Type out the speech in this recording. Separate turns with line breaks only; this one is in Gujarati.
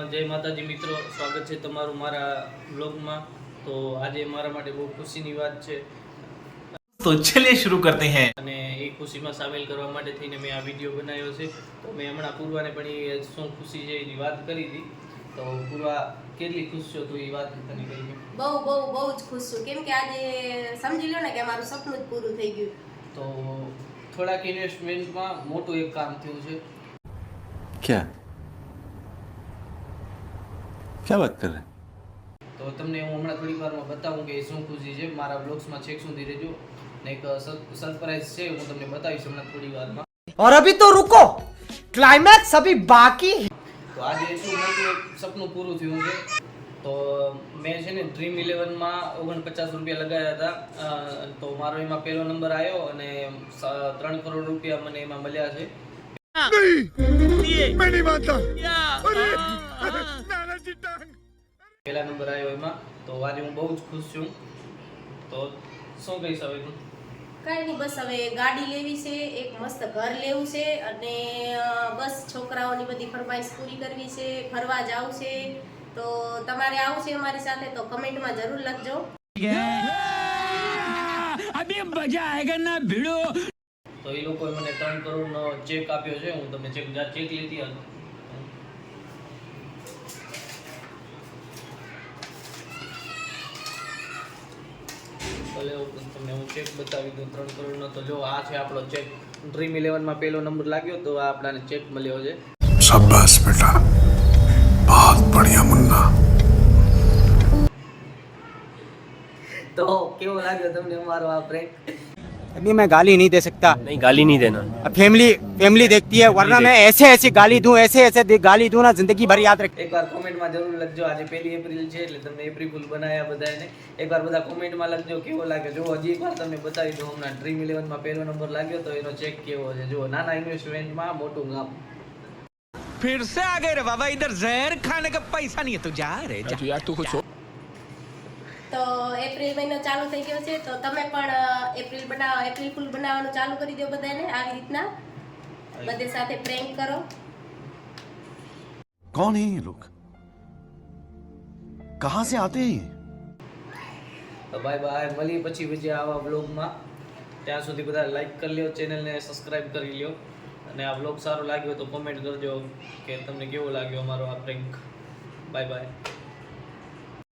જય માતાજી મિત્રો, સ્વાગત છે તમારું મારા બ્લોગમાં। તો આજે મારા માટે બહુ ખુશીની વાત છે,
તો ચलिए शुरू करते हैं।
અને એ ખુશીમાં સામેલ કરવા માટે થઈને મેં આ વિડીયો બનાવ્યો છે। તો મેં હમણાં પૂર્વાને પણ એ શું ખુશી છે એની વાત કરી હતી। તો પૂર્વા કેટલી ખુશ છો તું એ વાત તને કરી?
બહુ જ ખુશ છું, કેમ કે આજે સમજી લો ને કે મારું સપનું જ પૂરું થઈ ગયું।
તો થોડાક ઇન્વેસ્ટમેન્ટમાં મોટું એક કામ થયું છે।
क्या क्या बात कर रहे हैं?
તો તમને હું હમણાં થોડી વારમાં બતાવું કે શું ખુશી છે। મારા બ્લોગ્સમાં છેક સુધી રહેજો, ને એક સરપ્રાઈઝ છે, હું તમને બતાવીશ હમણાં થોડી વારમાં।
और अभी तो रुको, क्लाइमैक्स अभी बाकी है।
તો આજે શું મોટું એક સપનું પૂરું થયું છે। તો મેં છે ને ડ્રીમ 11માં 49 રૂપિયા લગાવ્યા હતા, તો મારો એમાં પહેલો નંબર આવ્યો અને 3 કરોડ રૂપિયા મને એમાં મળ્યા છે। પહેલા નંબર આવ્યો એમાં, તો આજે હું બહુ જ ખુશ છું। તો શું કહીશ હવે તું?
કાંઈ નહીં, બસ હવે ગાડી લેવી છે, એક મસ્ત ઘર લેવું છે, અને બસ છોકરાઓની બધી ફરમાઈશ પૂરી કરવી છે, ફરવા જાવું છે। તો તમારે આવું છે અમારી સાથે તો કમેન્ટમાં જરૂર લખજો।
अभी मजा आएगा ना भिड़ो।
તો એ લોકોએ મને 3 કરોડનો ચેક આપ્યો છે। હું તમને ચેક લીધી હતી, ભલે તમને હું ચેક બતાવી દઉં 3 કરોડનો। તો જો આ છે આપણો ચેક, ડ્રીમ 11માં પહેલો નંબર લાગ્યો તો આ આપણાને ચેક મળ્યો છે।
शाबाश बेटा, बहुत बढ़िया मुन्ना।
તો કેવો લાગ્યો તમને અમારો આ પ્રેન્ક?
अभी मैं गाली नहीं दे सकता,
नहीं गाली नहीं देना।
अब फैमिली देखती है, वरना मैं ऐसे गाली दूं, ऐसे गाली दूं ना, जिंदगी भर याद रख।
એકવાર કોમેન્ટમાં જરૂર લખજો। આજે 1 એપ્રિલ છે એટલે તમને એપ્રિલ ફૂલ બનાવ્યા બધાને। એકવાર બધા કોમેન્ટમાં લખજો કેવો લાગે। જો હજી એકવાર તમને બતાવી દઉં, હમણાં ડ્રીમ 11માં પહેલો નંબર લાગ્યો તો એનો ચેક કેવો છે। જો નાના ઇન્વેસ્ટમેન્ટમાં મોટું કામ।
फिर से आ गए रे बाबा, इधर जहर खाने का पैसा नहीं है तो जा रे जा। यार तू कुछ
તો એપ્રિલ મહિનો ચાલુ થઈ ગયો છે, તો તમે પણ એપ્રિલ ફૂલ બનાવવાનું ચાલુ કરી દો બધાને। આવી રીતના બધે સાથે પ્રેન્ક કરો।
कौन है ये लोग? कहाँ से आते हैं ये?
તો બાય બાય, મળીએ પછી બીજા આવા બ્લોગમાં। ત્યાં સુધી બધા લાઈક કરી લ્યો, ચેનલને સબસ્ક્રાઇબ કરી લ્યો, અને આ બ્લોગ સારો લાગ્યો તો કોમેન્ટ કરજો કે તમને કેવો લાગ્યો અમારો આ પ્રેન્ક। Bye bye.